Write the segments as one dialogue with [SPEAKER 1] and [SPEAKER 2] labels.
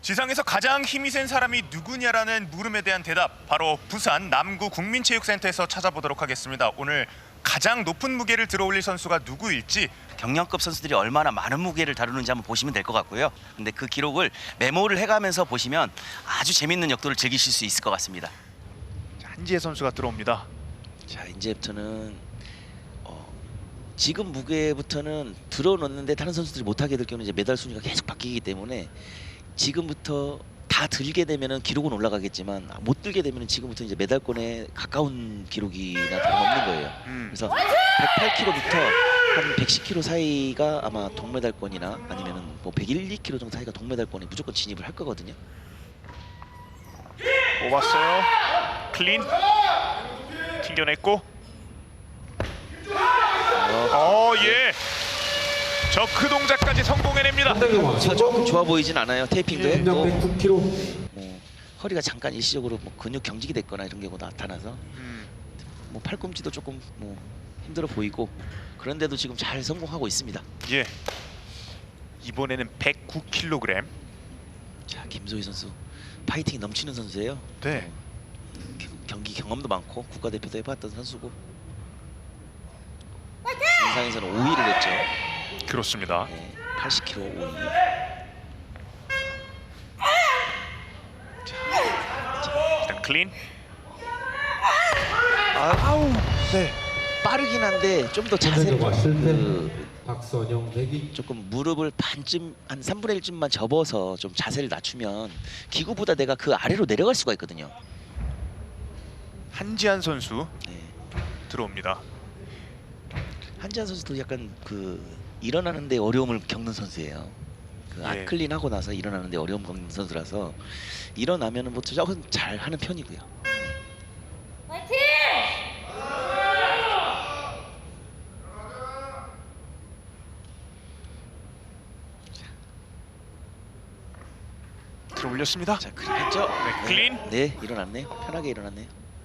[SPEAKER 1] 지상에서 가장 힘이 센 사람이 누구냐라는 물음에 대한 대답, 바로 부산 남구 국민체육센터에서 찾아보도록 하겠습니다. 오늘 가장 높은 무게를 들어올릴 선수가 누구일지
[SPEAKER 2] 경량급 선수들이 얼마나 많은 무게를 다루는지 한번 보시면 될 것 같고요. 근데 그 기록을 메모를 해가면서 보시면 아주 재밌는 역도를 즐기실 수 있을 것 같습니다.
[SPEAKER 1] 한지혜 선수가 들어옵니다.
[SPEAKER 2] 자, 이제부터는 지금 무게부터는 들어놓는데 다른 선수들이 못하게 될 경우는 이제 메달 순위가 계속 바뀌기 때문에 지금부터 다 들게 되면은 기록은 올라가겠지만 못 들게 되면은 지금부터 이제 메달권에 가까운 기록이나 다름없는 거예요. 그래서 108kg부터 한 110kg 사이가 아마 동메달권이나 아니면은 뭐 101, 2kg 정도 사이가 동메달권에 무조건 진입을 할 거거든요.
[SPEAKER 1] 뽑았어요. 클린 튕겨냈고. 예. 저크 동작까지 성공해냅니다.
[SPEAKER 2] 조금 좋아 보이진 않아요. 테이핑도 했고
[SPEAKER 3] 109kg.
[SPEAKER 2] 허리가 잠깐 일시적으로 뭐 근육 경직이 됐거나 이런 경우가 나타나서 뭐 팔꿈치도 조금 뭐 힘들어 보이고 그런데도 지금 잘 성공하고 있습니다.
[SPEAKER 1] 예. 이번에는 109kg.
[SPEAKER 2] 자, 김소희 선수 파이팅이 넘치는 선수예요.
[SPEAKER 1] 네.
[SPEAKER 2] 경기 경험도 많고 국가대표도 해봤던 선수고 인상에서는 5위를 했죠.
[SPEAKER 1] 그렇습니다.
[SPEAKER 2] 네, 80kg 5위.
[SPEAKER 1] 일단 클린.
[SPEAKER 2] 아우,
[SPEAKER 1] 네.
[SPEAKER 2] 빠르긴 한데 좀 더 자세를
[SPEAKER 3] 박선영 대기.
[SPEAKER 2] 조금 무릎을 반쯤 한 3분의 1쯤만 접어서 좀 자세를 낮추면 기구보다 내가 그 아래로 내려갈 수가 있거든요.
[SPEAKER 1] 한지한 선수
[SPEAKER 2] 네.
[SPEAKER 1] 들어옵니다.
[SPEAKER 2] 한지한 선수도 약간 그 일어나는데 어려움을 겪는 선수예요. 그
[SPEAKER 1] 예.
[SPEAKER 2] 아클린 하고 나서 일어나는데 어려움 겪는 선수라서 일어나면은 뭐 조금 잘 하는 편이고요.
[SPEAKER 1] 들어올렸습니다.
[SPEAKER 2] 자, 그랬죠?
[SPEAKER 1] 네, 클린.
[SPEAKER 2] 네, 일어났네요. 편하게 일어났네요.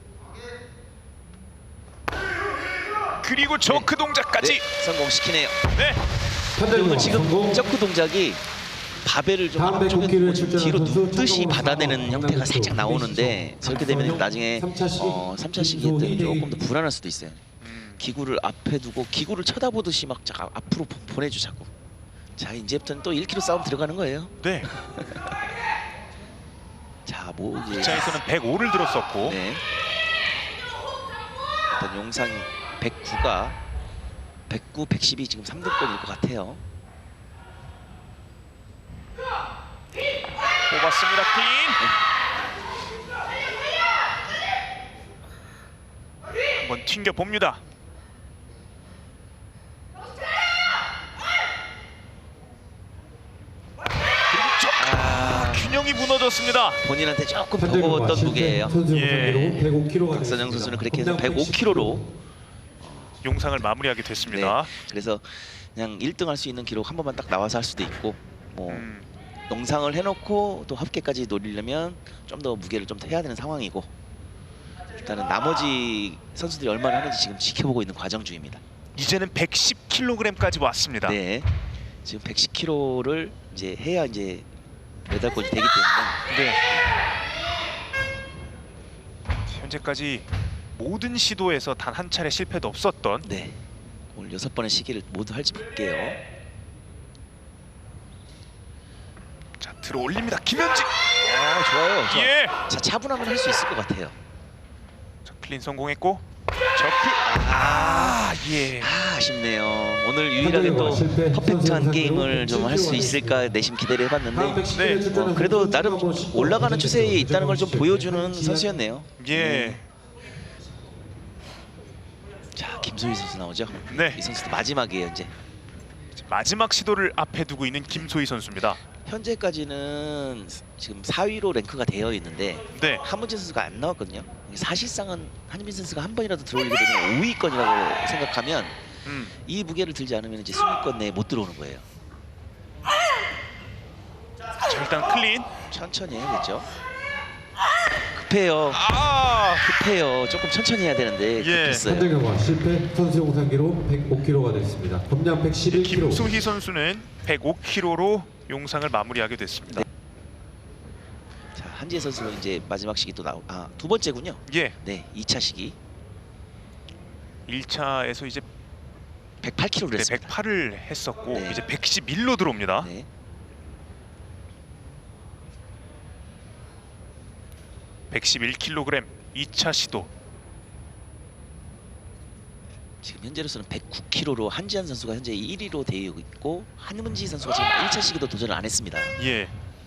[SPEAKER 1] 그리고 저크 동작까지.
[SPEAKER 2] 네, 성공시키네요.
[SPEAKER 1] 네.
[SPEAKER 2] 그리고 지금 점프 동작이 바벨을 좀
[SPEAKER 3] 다음
[SPEAKER 2] 한쪽에
[SPEAKER 3] 109kg
[SPEAKER 2] 좀
[SPEAKER 3] 출전하는
[SPEAKER 2] 뒤로
[SPEAKER 3] 선수
[SPEAKER 2] 눕듯이
[SPEAKER 3] 청동으로
[SPEAKER 2] 받아내는
[SPEAKER 3] 상황
[SPEAKER 2] 형태가 살짝
[SPEAKER 3] 강남구
[SPEAKER 2] 나오는데 저렇게 되면 나중에 3차 시기에 때는 조금 더 불안할 수도 있어요. 기구를 앞에 두고 기구를 쳐다보듯이 막 앞으로 보내줘 자꾸. 자, 이제부터는 또 1kg 싸움 들어가는 거예요.
[SPEAKER 1] 네.
[SPEAKER 2] 자, 뭐 이제
[SPEAKER 1] 기차에서는 105를 들었었고.
[SPEAKER 2] 네. 일단 용상 109가 109, 110이 지금 3등권일 것 같아요.
[SPEAKER 1] 뽑았습니다. 클린. 한번 튕겨 봅니다. 균형이 무너졌습니다.
[SPEAKER 2] 본인한테 조금 버거웠던 무게예요.
[SPEAKER 1] 예.
[SPEAKER 3] 105kg가
[SPEAKER 2] 박선영 선수는 그렇게 해서 105kg로
[SPEAKER 1] 용상을 마무리하게 됐습니다.
[SPEAKER 2] 그래서 그냥 1등 할 수 있는 기록 한 번만 딱 나와서 할 수도 있고 뭐 농상을 해놓고 또 합계까지 노리려면 좀 더 무게를 좀 더 해야 되는 상황이고 일단은 나머지 선수들이 얼마나 하는지 지금 지켜보고 있는 과정 중입니다.
[SPEAKER 1] 이제는 110kg까지 왔습니다.
[SPEAKER 2] 네, 지금 110kg를 이제 해야 이제 메달권이 되기 때문에
[SPEAKER 1] 네. 현재까지 모든 시도에서 단 한 차례 실패도 없었던.
[SPEAKER 2] 네, 오늘 6번의 시기를 모두 할지 볼게요.
[SPEAKER 1] 자, 들어올립니다. 김현지.
[SPEAKER 2] 좋아요. 좋아.
[SPEAKER 1] 예.
[SPEAKER 2] 자, 차분하면 할 수 있을 것 같아요.
[SPEAKER 1] 자, 클린 성공했고. 저크. 예.
[SPEAKER 2] 아쉽네요. 오늘 유일하게 또 퍼펙트한 게임을 좀 할 수 있을까 내심 기대를 해봤는데
[SPEAKER 1] 네.
[SPEAKER 2] 그래도 나름 올라가는 추세에 있다는 걸 좀 보여주는 선수였네요.
[SPEAKER 1] 예.
[SPEAKER 2] 자, 김소희 선수 나오죠.
[SPEAKER 1] 네.
[SPEAKER 2] 이 선수도 마지막이에요 이제.
[SPEAKER 1] 마지막 시도를 앞에 두고 있는 김소희 선수입니다.
[SPEAKER 2] 현재까지는 지금 4위로 랭크가 되어 있는데
[SPEAKER 1] 네.
[SPEAKER 2] 한문진 선수가 안 나왔거든요. 사실상은 한민진 선수가 한 번이라도 들어올리게 되면 5위권이라고 생각하면 이 무게를 들지 않으면 이제 순위권 내에 못 들어오는 거예요.
[SPEAKER 1] 자, 일단 클린.
[SPEAKER 2] 천천히 해야겠죠. 급해요. 급해요. 조금 천천히 해야 되는데
[SPEAKER 1] 예.
[SPEAKER 2] 급했어요.
[SPEAKER 3] 현대경화 실패. 선수 용상 기록 105kg가 됐습니다. 검량 111kg.
[SPEAKER 1] 김소희 선수는 105kg로 용상을 마무리하게 됐습니다.
[SPEAKER 2] 한지혜 선수가 이제 마지막 시기 또 두 번째군요.
[SPEAKER 1] 예.
[SPEAKER 2] 네, 2차 시기
[SPEAKER 1] 1차에서 이제
[SPEAKER 2] 108kg를
[SPEAKER 1] 네,
[SPEAKER 2] 했습니다.
[SPEAKER 1] 108을 했었고
[SPEAKER 2] 네.
[SPEAKER 1] 이제 111로 들어옵니다.
[SPEAKER 2] 네.
[SPEAKER 1] 111kg 2차 시도.
[SPEAKER 2] 지금 현재로서는 109kg로 한지한 선수가 현재 1위로 되어 있고 한문지 선수가 지금 1차 시기도 도전을 안 했습니다.
[SPEAKER 1] 예.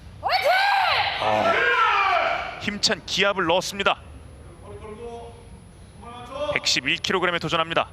[SPEAKER 1] 힘찬 기압을 넣었습니다. 111kg에 도전합니다.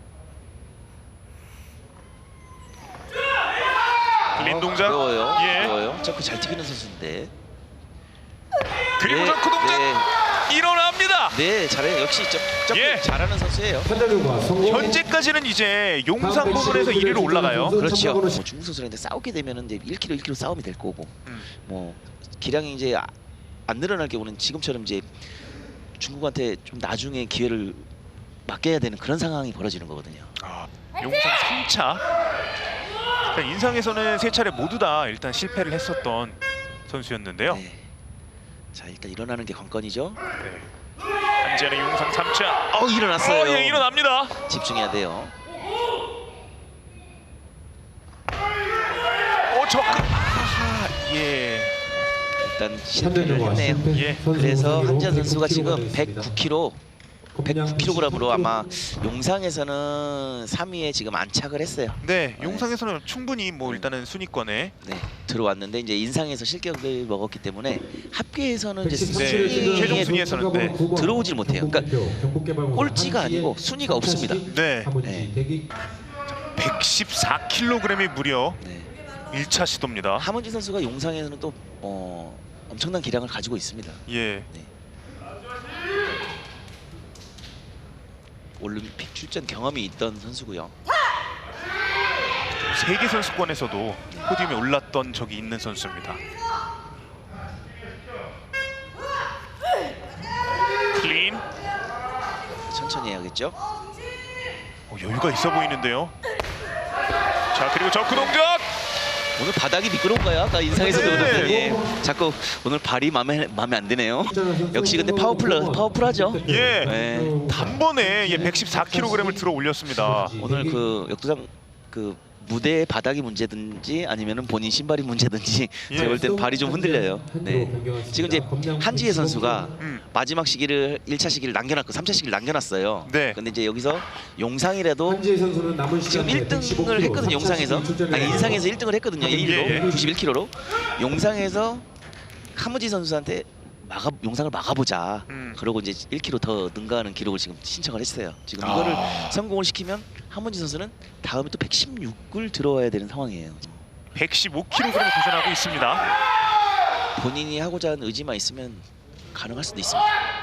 [SPEAKER 1] 클린 동작.
[SPEAKER 2] 어려워요.
[SPEAKER 1] 예.
[SPEAKER 2] 어려워요. 점프 잘 튀기는 선수인데.
[SPEAKER 1] 그리고
[SPEAKER 2] 네,
[SPEAKER 1] 점프 동작
[SPEAKER 2] 네.
[SPEAKER 1] 일어납니다.
[SPEAKER 2] 네, 잘해요. 역시 점프
[SPEAKER 1] 예.
[SPEAKER 2] 잘하는 선수예요.
[SPEAKER 3] 판단 결과 성공.
[SPEAKER 1] 현재까지는 이제 용산 부분에서 1위로 올라가요.
[SPEAKER 2] 그렇죠. 뭐 중국 선수랑 싸우게 되면은 이제 1kg 싸움이 될 거고, 뭐 기량이 이제 안 늘어날 경우는 지금처럼 이제 중국한테 좀 나중에 기회를 맡겨야 되는 그런 상황이 벌어지는 거거든요.
[SPEAKER 1] 용산 3차. 일단 인상에서는 3차례 모두 다 일단 실패를 했었던 선수였는데요.
[SPEAKER 2] 네. 자, 일단 일어나는 게 관건이죠.
[SPEAKER 1] 네. 한지현의 용산 3차.
[SPEAKER 2] 일어났어요.
[SPEAKER 1] 예, 일어납니다.
[SPEAKER 2] 집중해야 돼요.
[SPEAKER 1] 접근. 예.
[SPEAKER 2] 일단
[SPEAKER 3] 판단 결과
[SPEAKER 2] 실패를 했네요.
[SPEAKER 1] 예.
[SPEAKER 2] 그래서 한지한 선수가
[SPEAKER 3] 109kg
[SPEAKER 2] 지금
[SPEAKER 3] 가 됐습니다.
[SPEAKER 2] 109kg으로 아마 용상에서는 3위에 지금 안착을 했어요.
[SPEAKER 1] 네, 용상에서는 충분히 뭐 일단은 순위권에
[SPEAKER 2] 네, 들어왔는데 이제 인상에서 실격을 먹었기 때문에 합계에서는 이제
[SPEAKER 1] 네, 최종 순위에서는 네.
[SPEAKER 2] 들어오질 못해요. 그러니까 꼴찌가 아니고 순위가 없습니다.
[SPEAKER 1] 네.
[SPEAKER 2] 네.
[SPEAKER 1] 114kg이 무려
[SPEAKER 2] 네.
[SPEAKER 1] 1차 시도입니다.
[SPEAKER 2] 하문지 선수가 용상에서는 또 엄청난 기량을 가지고 있습니다.
[SPEAKER 1] 예.
[SPEAKER 2] 네. 올림픽 출전 경험이 있던 선수고요.
[SPEAKER 1] 세계 선수권에서도 포디움에 올랐던 적이 있는 선수입니다. 클린.
[SPEAKER 2] 천천히 해야겠죠.
[SPEAKER 1] 여유가 있어 보이는데요. 자, 그리고 저크 동작.
[SPEAKER 2] 오늘 바닥이 미끄러운가요? 아까 인상에서도
[SPEAKER 1] 네.
[SPEAKER 2] 그랬더니 자꾸 오늘 발이 마음에 안 드네요. 역시 근데 파워풀하죠.
[SPEAKER 1] 예.
[SPEAKER 2] 네.
[SPEAKER 1] 단번에 114kg을 들어 올렸습니다.
[SPEAKER 2] 오늘 그 역도장 그 무대의 바닥이 문제든지 아니면은 본인 신발이 문제든지
[SPEAKER 1] 예.
[SPEAKER 2] 제가 볼 땐 발이 좀 흔들려요. 네. 지금 이제 한지혜 선수가 마지막 시기를 1차 시기를 남겨놨고 3차 시기를 남겨놨어요.
[SPEAKER 1] 네.
[SPEAKER 2] 근데 이제 여기서 용상이라도
[SPEAKER 3] 한지혜 선수는 남은
[SPEAKER 2] 지금
[SPEAKER 3] 시간
[SPEAKER 2] 1등을 했거든요. 용상에서 인상에서 1등을 했거든요. 1위로
[SPEAKER 1] 예.
[SPEAKER 2] 91kg로 용상에서 하무지 선수한테 용상을 막아보자. 그러고 이제 1kg 더 능가하는 기록을 지금 신청을 했어요. 지금 이거를 성공을 시키면 하문지 선수는 다음에 또 116을 들어와야 되는 상황이에요.
[SPEAKER 1] 115kg에 도전하고 있습니다.
[SPEAKER 2] 본인이 하고자 하는 의지만 있으면 가능할 수도 있습니다.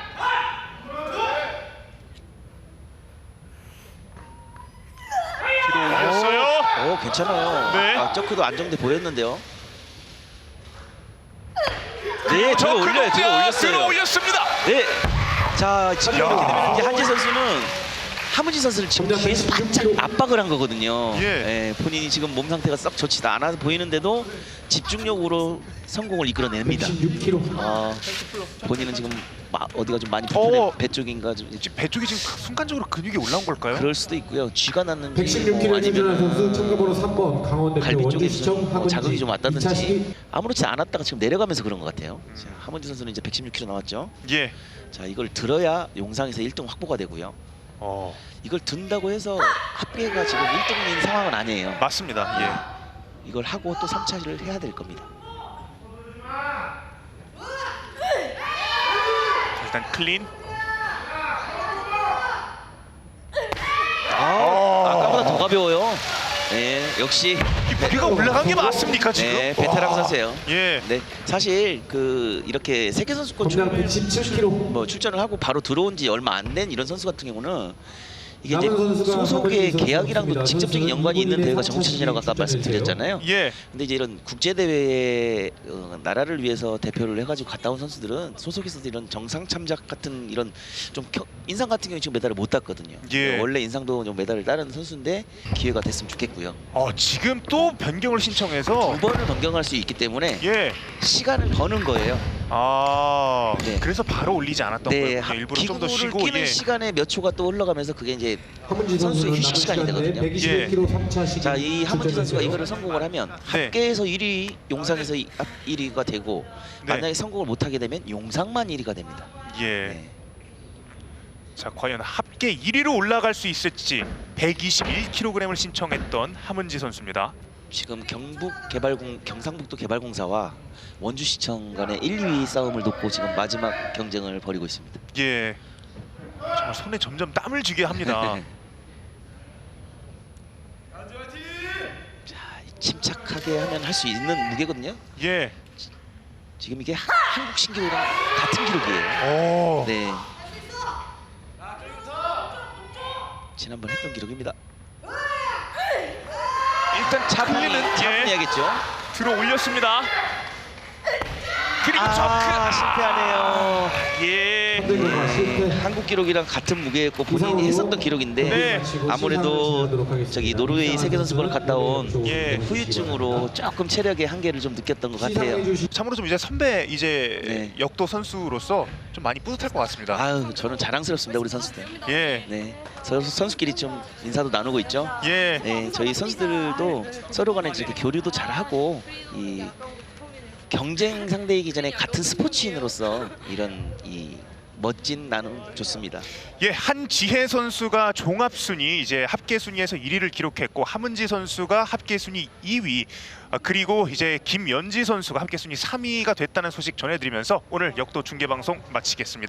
[SPEAKER 1] 뒤로 올렸어요.
[SPEAKER 2] 괜찮아요.
[SPEAKER 1] 네.
[SPEAKER 2] 저크도 안정돼 보였는데요. 네, 들어 올려요. 들어 올렸어요.
[SPEAKER 1] 들어 올렸습니다.
[SPEAKER 2] 네. 자, 지금 이렇게 되면 이제 한지 선수는 하문지 선수를 지금 계속 바짝 압박을 한 거거든요.
[SPEAKER 1] 예.
[SPEAKER 2] 본인이 지금 몸 상태가 썩 좋지도 않아 보이는데도 집중력으로 성공을 이끌어냅니다.
[SPEAKER 3] 116kg.
[SPEAKER 2] 본인은 지금 어디가 좀 많이 불편해. 배 쪽인가 좀
[SPEAKER 1] 지금 배 쪽이 지금 순간적으로 근육이 올라온 걸까요?
[SPEAKER 2] 그럴 수도 있고요. 쥐가 났는지
[SPEAKER 3] 116kg 출전한 선수
[SPEAKER 2] 아니면
[SPEAKER 3] 참가번호 3번 강원대표
[SPEAKER 2] 갈비 쪽에
[SPEAKER 3] 원주시청
[SPEAKER 2] 뭐
[SPEAKER 3] 하문지
[SPEAKER 2] 자극이 좀
[SPEAKER 3] 2차
[SPEAKER 2] 왔다든지
[SPEAKER 3] 시기
[SPEAKER 2] 아무렇지 않았다가 지금 내려가면서 그런 것 같아요. 자, 하문지 선수는 이제 116kg 나왔죠.
[SPEAKER 1] 예.
[SPEAKER 2] 자, 이걸 들어야 용상에서 1등 확보가 되고요. 이걸 든다고 해서 합계가 지금 1등인 상황은 아니에요.
[SPEAKER 1] 맞습니다. 예.
[SPEAKER 2] 이걸 하고 또 3차를 해야 될 겁니다.
[SPEAKER 1] 일단 클린.
[SPEAKER 2] 아까보다 더 가벼워요. 네, 역시
[SPEAKER 1] 이 무게가 올라간 게 맞습니까 지금?
[SPEAKER 2] 네, 베테랑 선수예요.
[SPEAKER 1] 예.
[SPEAKER 2] 네, 사실 그 이렇게 세계 선수권
[SPEAKER 3] 검량 117kg.
[SPEAKER 2] 뭐 출전을 하고 바로 들어온 지 얼마 안 된 이런 선수 같은 경우는 이게 이제
[SPEAKER 3] 남은 선수가
[SPEAKER 2] 소속의
[SPEAKER 3] 선수
[SPEAKER 2] 계약이랑도
[SPEAKER 3] 선수입니다.
[SPEAKER 2] 직접적인 연관이 있는
[SPEAKER 3] 선수는
[SPEAKER 2] 대회가
[SPEAKER 3] 일본인의
[SPEAKER 2] 정치전이라고 아까
[SPEAKER 3] 4차
[SPEAKER 2] 말씀드렸잖아요.
[SPEAKER 1] 예.
[SPEAKER 2] 근데 이제 이런 국제 대회에 나라를 위해서 대표를 해가지고 갔다 온 선수들은 소속에서도 이런 정상 참작 같은 이런 좀 인상 같은 경우 지금 메달을 못 땄거든요.
[SPEAKER 1] 예.
[SPEAKER 2] 원래 인상도 좀 메달을 따는 선수인데 기회가 됐으면 좋겠고요.
[SPEAKER 1] 지금 또 변경을 신청해서
[SPEAKER 2] 2번을 변경할 수 있기 때문에
[SPEAKER 1] 예.
[SPEAKER 2] 시간을 버는 거예요.
[SPEAKER 1] 아,
[SPEAKER 2] 네.
[SPEAKER 1] 그래서 바로 올리지 않았던
[SPEAKER 2] 네,
[SPEAKER 1] 거예요. 일부러 좀 더
[SPEAKER 2] 기구를
[SPEAKER 1] 쉬고.
[SPEAKER 2] 끼는
[SPEAKER 1] 예.
[SPEAKER 2] 시간에 몇 초가 또 흘러가면서 그게 이제
[SPEAKER 3] 하문지
[SPEAKER 2] 선수의
[SPEAKER 3] 선수는
[SPEAKER 2] 휴식 시간이 되거든요.
[SPEAKER 3] 121kg 3차 시기.
[SPEAKER 2] 자, 이 하문지 선수가 이거를 성공을 하면
[SPEAKER 1] 네.
[SPEAKER 2] 합계에서 1위, 용상에서 1위가 되고
[SPEAKER 1] 네.
[SPEAKER 2] 만약에 성공을 못하게 되면 용상만 1위가 됩니다.
[SPEAKER 1] 예.
[SPEAKER 2] 네.
[SPEAKER 1] 자, 과연 합계 1위로 올라갈 수 있을지 121kg을 신청했던 하문지 선수입니다.
[SPEAKER 2] 지금 경상북도 개발공사와 원주시청 간의 1, 2위 싸움을 놓고 지금 마지막 경쟁을 벌이고 있습니다.
[SPEAKER 1] 예. 정말 손에 점점 땀을 쥐게 합니다.
[SPEAKER 2] 자, 침착하게 하면 할 수 있는 무게거든요.
[SPEAKER 1] 예.
[SPEAKER 2] 지금 이게 한국 신기록이랑 같은 기록이에요.
[SPEAKER 1] 오.
[SPEAKER 2] 네. 지난번 했던 기록입니다.
[SPEAKER 1] 일단 잡히는
[SPEAKER 2] 잡아야겠죠.
[SPEAKER 1] 들어 올렸습니다. 그리고 저크
[SPEAKER 2] 실패하네요.
[SPEAKER 1] 예.
[SPEAKER 3] 선대교가 실패.
[SPEAKER 2] 한국 기록이랑 같은 무게였고 본인이 했었던 기록인데
[SPEAKER 1] 네.
[SPEAKER 2] 아무래도 저기 노르웨이 세계 선수권을 갔다 온
[SPEAKER 1] 예.
[SPEAKER 2] 후유증으로 조금 체력의 한계를 좀 느꼈던 것 같아요.
[SPEAKER 1] 참으로 좀 이제 선배 이제
[SPEAKER 2] 네.
[SPEAKER 1] 역도 선수로서 좀 많이 뿌듯할 것 같습니다.
[SPEAKER 2] 아유, 저는 자랑스럽습니다, 우리 선수들.
[SPEAKER 1] 예.
[SPEAKER 2] 네, 선수끼리 좀 인사도 나누고 있죠.
[SPEAKER 1] 예.
[SPEAKER 2] 네, 저희 선수들도 서로 간에 이렇게 교류도 잘하고 이 경쟁 상대이기 전에 같은 스포츠인으로서 이런 이 멋진 나눔 좋습니다.
[SPEAKER 1] 예, 한지혜 선수가 종합 순위 이제 합계 순위에서 1위를 기록했고 하문지 선수가 합계 순위 2위, 그리고 이제 김연지 선수가 합계 순위 3위가 됐다는 소식 전해드리면서 오늘 역도 중계 방송 마치겠습니다.